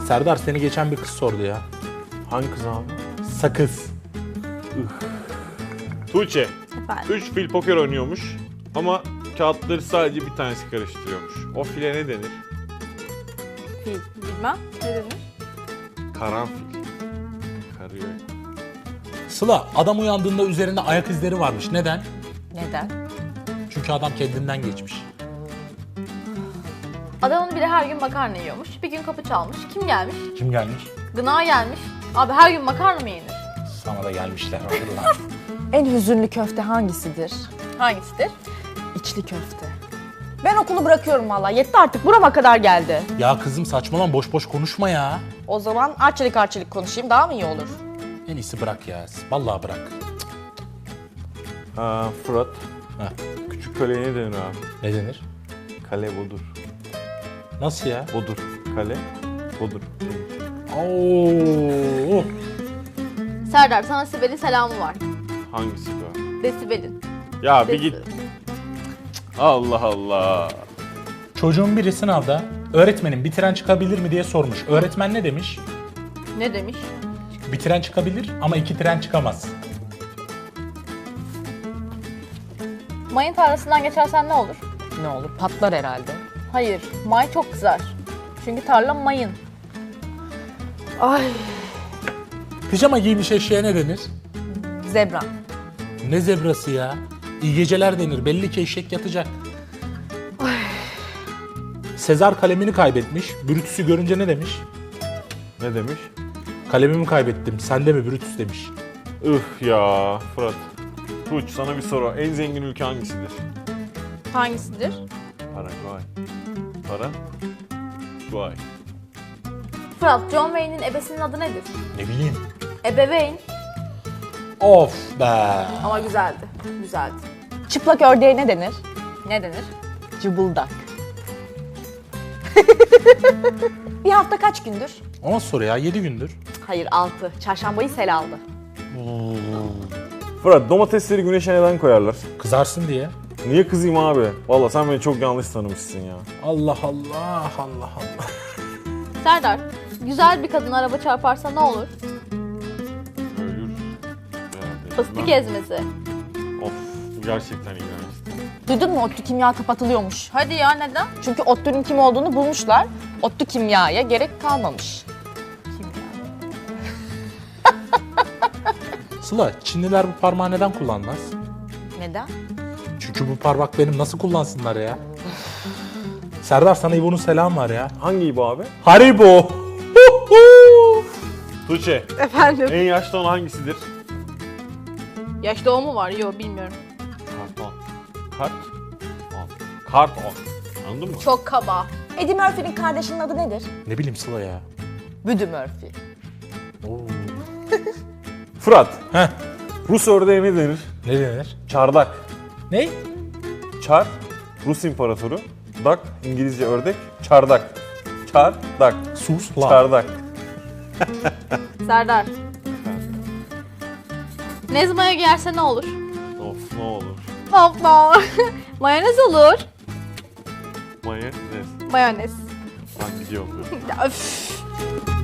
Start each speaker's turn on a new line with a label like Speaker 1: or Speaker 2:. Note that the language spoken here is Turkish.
Speaker 1: Serdar seni geçen bir kız sordu ya.
Speaker 2: Hangi kız abi?
Speaker 1: Sakız.
Speaker 2: Tuğçe.
Speaker 3: Efendim.
Speaker 2: 3 fil poker oynuyormuş ama kağıtları sadece bir tanesi karıştırıyormuş. O file ne denir?
Speaker 3: Fil. Bilmem. Ne denir?
Speaker 2: Karanfil. Karıyor.
Speaker 1: Sıla, adam uyandığında üzerinde ayak izleri varmış. Neden?
Speaker 3: Neden?
Speaker 1: Çünkü adam kendinden geçmiş.
Speaker 3: Adamın biri her gün makarna yiyormuş. Bir gün kapı çalmış. Kim gelmiş?
Speaker 1: Kim gelmiş?
Speaker 3: Gına gelmiş. Abi her gün makarna mı yenir?
Speaker 1: Sana da gelmişler. Hatırlar.
Speaker 4: En hüzünlü köfte hangisidir?
Speaker 3: Hangisidir?
Speaker 4: İçli köfte. Ben okulu bırakıyorum vallahi. Yetti artık. Burama kadar geldi.
Speaker 1: Ya kızım saçmalama, boş boş konuşma ya.
Speaker 4: O zaman arçelik konuşayım. Daha mı iyi olur?
Speaker 1: En iyisi bırak ya. Vallahi bırak.
Speaker 2: Fırat.
Speaker 1: Ha.
Speaker 2: Küçük kaleye ne denir abi?
Speaker 1: Ne denir?
Speaker 2: Kale bodur.
Speaker 1: Nasıl ya?
Speaker 2: Bodur. Kale bodur.
Speaker 1: Oo.
Speaker 3: Serdar sana Sibel'in selamı var.
Speaker 2: Hangisi bu?
Speaker 3: Desibel'in.
Speaker 2: Ya bir git. Allah Allah.
Speaker 1: Çocuğun biri sınavda öğretmenim bitiren çıkabilir mi diye sormuş. Öğretmen ne demiş?
Speaker 3: Ne demiş?
Speaker 1: Bitiren çıkabilir ama 2 tren çıkamaz.
Speaker 3: Mayın tarlasından geçersen ne olur?
Speaker 4: Ne olur? Patlar herhalde.
Speaker 3: Hayır. May çok kızar. Çünkü tarla mayın.
Speaker 4: Ay.
Speaker 1: Pijama giymiş eşeğe ne denir?
Speaker 4: Zebra.
Speaker 1: Ne zebrası ya? İyi geceler denir. Belli ki eşek yatacak. Sezar kalemini kaybetmiş. Brutus'u görünce ne demiş?
Speaker 2: Ne demiş?
Speaker 1: Kalemimi kaybettim. Sen de mi Brutus demiş.
Speaker 2: Üf ya Fırat. Tuğç sana bir soru. En zengin ülke hangisidir?
Speaker 3: Hangisidir?
Speaker 2: Paraguay. Paraguay.
Speaker 3: Fırat, John Wayne'in ebesinin adı nedir?
Speaker 1: Ne bileyim.
Speaker 3: Ebeveyn.
Speaker 1: Of be.
Speaker 3: Ama güzeldi. Güzeldi.
Speaker 4: Çıplak ördeğe ne denir?
Speaker 3: Ne denir?
Speaker 4: Cıbıldak. Bir hafta kaç gündür?
Speaker 1: O nasıl soru ya? 7 gündür.
Speaker 4: Hayır 6. Çarşambayı sel aldı.
Speaker 2: Fırat domatesleri güneşe neden koyarlar?
Speaker 1: Kızarsın diye.
Speaker 2: Niye kızayım abi? Vallahi sen beni çok yanlış tanımışsın ya.
Speaker 1: Allah Allah Allah Allah.
Speaker 3: Serdar, güzel bir kadın araba çarparsa ne olur?
Speaker 2: Ölür.
Speaker 3: Fıstık ezmesi.
Speaker 2: Of bu gerçekten iğrençti.
Speaker 4: Duydun mu? ODTÜ kimya kapatılıyormuş.
Speaker 3: Hadi ya, neden?
Speaker 4: Çünkü ODTÜ'nün kim olduğunu bulmuşlar. ODTÜ kimyaya gerek kalmamış.
Speaker 1: Sıla, Çinliler bu parmağı neden kullanmaz?
Speaker 4: Neden?
Speaker 1: Çünkü bu parmak benim, nasıl kullansınlar ya? Serdar, sana İbo'nun selam var ya.
Speaker 2: Hangi bu abi?
Speaker 1: Haribo.
Speaker 2: Tuğçe.
Speaker 3: Efendim?
Speaker 2: En yaşlı olan hangisidir?
Speaker 3: Yaş doğumu var. Yok, bilmiyorum.
Speaker 2: Karton. Karton. Anladın mı?
Speaker 3: Çok kaba.
Speaker 4: Eddie Murphy'nin kardeşinin adı nedir?
Speaker 1: Ne bileyim Sıla ya.
Speaker 4: Büdü Murphy.
Speaker 1: Oo.
Speaker 2: Fırat.
Speaker 1: Heh,
Speaker 2: Rus ördeğe ne denir?
Speaker 1: ne denir?
Speaker 2: Çardak.
Speaker 1: Ne?
Speaker 2: Çar. Rus imparatoru. Dak. İngilizce ördek. Çardak. Çardak.
Speaker 1: Sus lan.
Speaker 2: Çardak.
Speaker 3: Serdar. Nezmaya giyerse ne olur?
Speaker 2: Of ne olur.
Speaker 3: Hoppa. Mayonez olur.
Speaker 2: Mayonez.
Speaker 3: Mayonez.
Speaker 2: Ben gidiyorum.
Speaker 3: Ya, öf.